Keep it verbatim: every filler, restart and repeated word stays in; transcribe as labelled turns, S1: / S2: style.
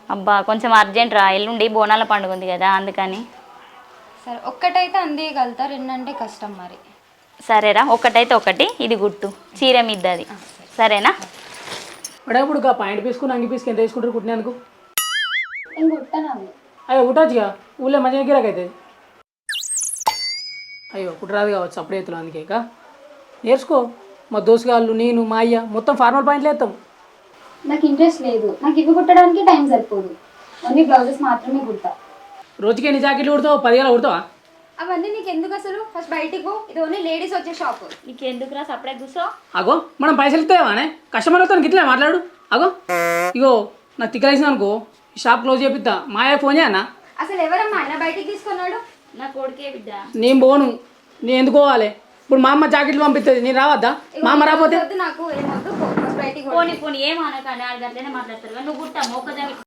S1: అబ్బా కొంచెం అర్జెంట్ రా, ఎల్లుండి బోనాల పండుగ ఉంది కదా అందుకని.
S2: సరే ఒక్కటైతే అందియగలుగుతా, రెండంటే కష్టం మరి.
S1: సరేరా, ఒకటైతే ఒకటి, ఇది గుట్టు చీర మిద్దది, సరేనా?
S3: ఇప్పుడు ఇప్పుడు పాయింట్ పీసుకుని అంగి పీసుకు ఎంత తీసుకుంటారు కుట్టినందుకు?
S2: నేను కుట్టాను.
S3: అయ్యో కుట్టచ్చుగా, ఊళ్ళో మంచిగా గిరాకైతే. అయ్యో కుట్టరాదు కావచ్చు అప్పుడే ఎత్తులు, అందుకే ఇక నేర్చుకో. మా దోసుగాళ్ళు నేను మా అయ్య మొత్తం ఫార్మల్ పాయింట్లు వేస్తాం.
S2: నాకు ఇంట్రెస్ట్ లేదు, నాకు ఇవి కుట్టడానికి టైం సరిపోదు. ఓన్లీ బ్లౌజెస్ మాత్రమే కుడతా.
S3: రోజుకి ఎన్ని జాకెట్లు కుడతావు? పదివేల కుడతావా?
S2: అవన్నీ నీకు ఎందుకు అసలు? ఫస్ట్ బయటికి పో, ఇది ఓన్లీ లేడీస్ వచ్చే షాప్.
S1: నీకు ఎందుకురా సపరేట్ కూర్చో.
S3: అగో మనం పైసలు ఇస్తావానే, కస్టమర్లతో ఇట్లా మాట్లాడు. అగో ఇగో నాకు తిక్కలేసిన అనుకో, ఈ షాప్ క్లోజ్ చేపిస్తా. మా అయ్య ఫోన్ చేయన్నా?
S2: అసలు ఎవరమ్మా ఆయన బయటికి తీసుకున్నాడు?
S1: నా కొడుకే బిడ్డ.
S3: నేను పోను, నేను ఎందుకు పోవాలి? ఇప్పుడు మా అమ్మ జాకెట్లు పంపిస్తుంది, నేను రావద్దా? మా అమ్మ రాకపోతే
S2: నాకు ఏమొద్దు, పో ఫస్ట్ బయటికి పో.
S1: పోనీ పోనీ ఏమనకండి, ఆడ గట్లనే మాట్లాడతారు. నువ్వు గుట్టా మొక్క జాకెట్